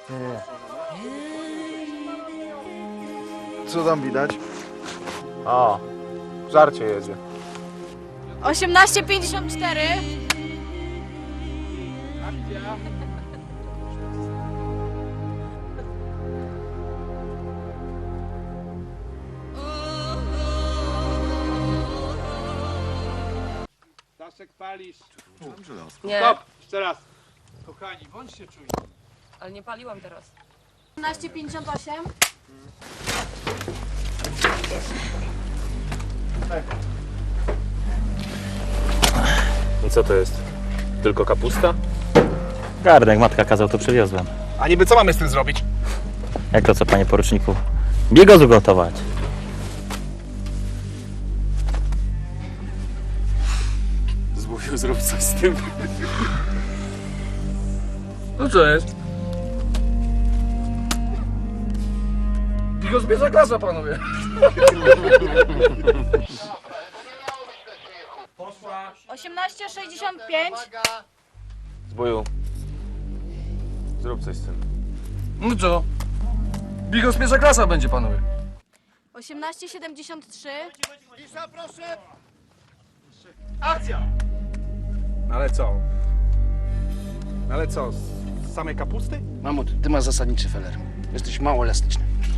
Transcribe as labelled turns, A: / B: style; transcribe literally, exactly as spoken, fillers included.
A: Nie, nie. Co tam widać?
B: O, żarcie jedzie.
C: osiemnaście pięćdziesiąt cztery.
D: Staszek, palisz.
E: Nie,
D: Stop! Jeszcze raz. Kochani, bądźcie czujni.
E: ale nie paliłam teraz.
C: osiemnaście pięćdziesiąt osiem.
B: I co to jest? Tylko kapusta?
F: Gardek, matka kazał, to przywiozłem.
D: A niby co mamy z tym zrobić?
F: Jak to co, panie poruczniku? Biegozu gotować.
B: Zmówił, zrób coś z tym.
D: No co jest? Bigos bierze klasa, panowie.
C: osiemnaście sześćdziesiąt pięć.
B: Zbóju, zrób coś z tym.
D: No co? Bigos pierwsza klasa będzie, panowie.
C: osiemnaście siedemdziesiąt trzy.
D: Ale co? Ale co? Z samej kapusty?
G: Mamut, ty masz zasadniczy feler. Jesteś mało elastyczny.